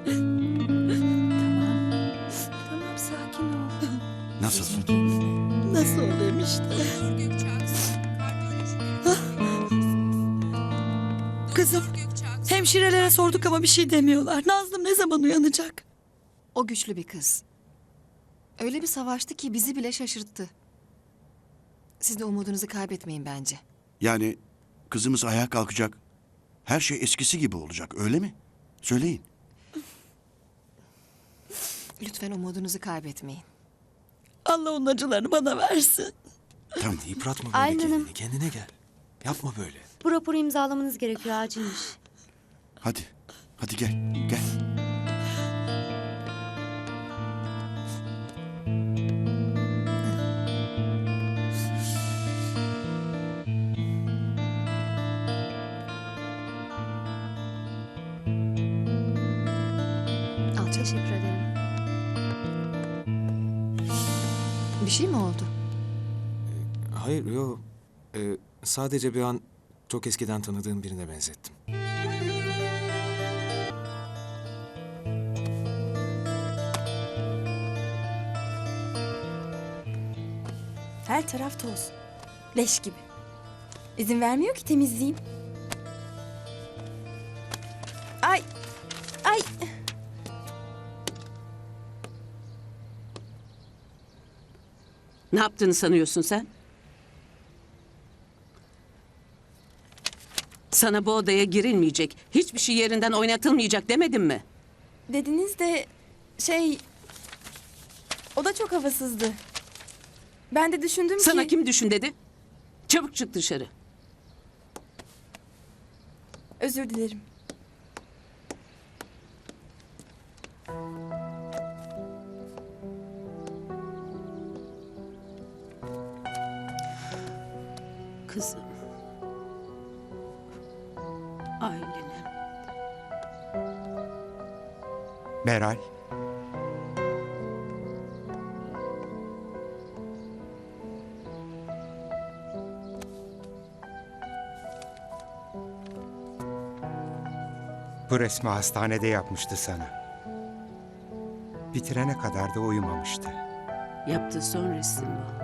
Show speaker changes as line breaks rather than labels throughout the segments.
Tamam sakin ol.
Nasılsın?
Nasıl olayım işte. Kızım, hemşirelere sorduk ama bir şey demiyorlar. Nazlım ne zaman uyanacak?
O güçlü bir kız. Öyle bir savaştı ki bizi bile şaşırttı. Siz de umudunuzu kaybetmeyin bence.
Yani kızımız ayağa kalkacak. Her şey eskisi gibi olacak, öyle mi? Söyleyin.
Lütfen umudunuzu kaybetmeyin.
Allah onun acılarını bana versin.
Tamam.
Yıpratma böyle
Aylin
kendini.
Hanım.
Kendine gel. Yapma böyle.
Bu raporu imzalamanız gerekiyor, acilmiş.
Hadi. Hadi gel. Gel.
Al çek.
Teşekkür ederim.
Bir şey mi oldu?
Hayır, yok. Sadece bir an çok eskiden tanıdığım birine benzettim.
Her taraf toz. Leş gibi. İzin vermiyor ki temizleyeyim. Ay! Ay!
Ne yaptığını sanıyorsun sen? Sana bu odaya girilmeyecek, hiçbir şey yerinden oynatılmayacak demedim mi?
Dediniz de o da çok havasızdı. Ben de düşündüm
Sana
ki...
kim düşün dedi? Çabuk çık dışarı.
Özür dilerim.
Kızım. Ailenim.
Meral. Bu resmi hastanede yapmıştı sana. Bitirene kadar da uyumamıştı.
Yaptığı son resim bu.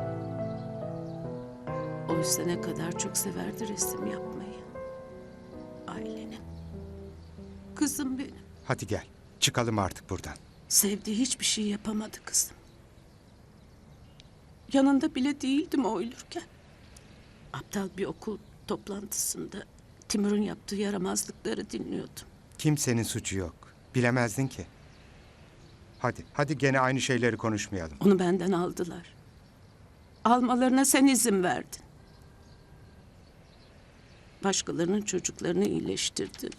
Oysa ne kadar çok severdi resim yapmayı. Ailenim. Kızım benim.
Hadi gel, çıkalım artık buradan.
Sevdiği hiçbir şey yapamadı kızım. Yanında bile değildim o ölürken. Aptal bir okul toplantısında Timur'un yaptığı yaramazlıkları dinliyordum.
Kimsenin suçu yok. Bilemezdin ki. Hadi gene aynı şeyleri konuşmayalım.
Onu benden aldılar. Almalarına sen izin verdin. Başkalarının çocuklarını iyileştirdin.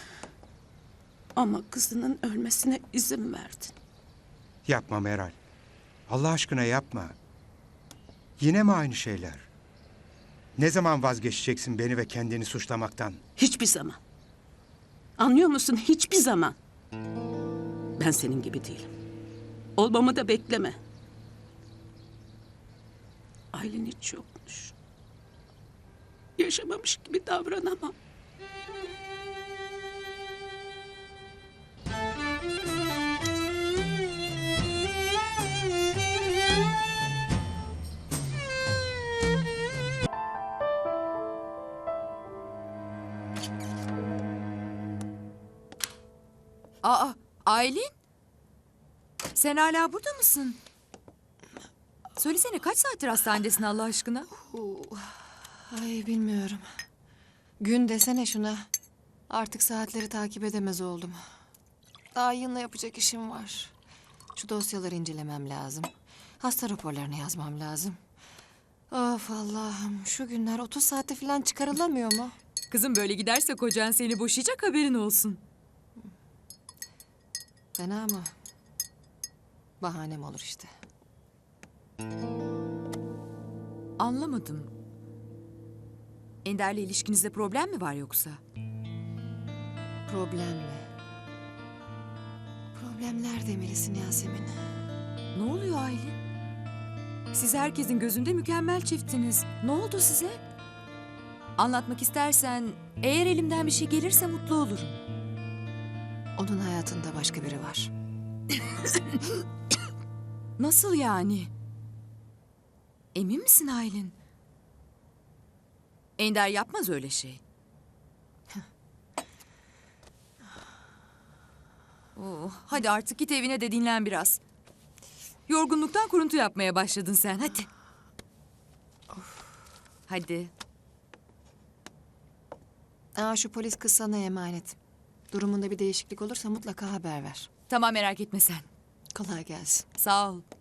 Ama kızının ölmesine izin verdin.
Yapma Meral. Allah aşkına yapma. Yine mi aynı şeyler? Ne zaman vazgeçeceksin beni ve kendini suçlamaktan?
Hiçbir zaman. Anlıyor musun? Hiçbir zaman. Ben senin gibi değilim. Olmamı da bekleme. Aylin hiç yokmuş. Yaşamamış gibi davranamam.
Aa, Aylin? Sen hala burada mısın? Söylesene kaç saattir hastanedesin Allah aşkına?
Ay bilmiyorum. Gün desene şuna. Artık saatleri takip edemez oldum. Daha yığınla yapacak işim var. Şu dosyaları incelemem lazım. Hasta raporlarını yazmam lazım. Of Allah'ım, şu günler 30 saatte falan çıkarılamıyor mu?
Kızım böyle giderse kocan seni boşayacak, haberin olsun.
Fena mı? Bahanem olur işte.
Anlamadım. Ender'le ilişkinizde problem mi var yoksa?
Problem mi? Problemler demelisin Yasemin.
Ne oluyor Aylin? Siz herkesin gözünde mükemmel çiftsiniz. Ne oldu size? Anlatmak istersen, eğer elimden bir şey gelirse mutlu olurum.
Onun hayatında başka biri var.
Nasıl yani? Emin misin Aylin? Ender yapmaz öyle şey. Hadi artık git evine de dinlen biraz. Yorgunluktan kuruntu yapmaya başladın sen. Hadi. Hadi.
Şu polis kız sana emanet. Durumunda bir değişiklik olursa mutlaka haber ver.
Tamam, merak etme sen.
Kolay gelsin.
Sağ ol.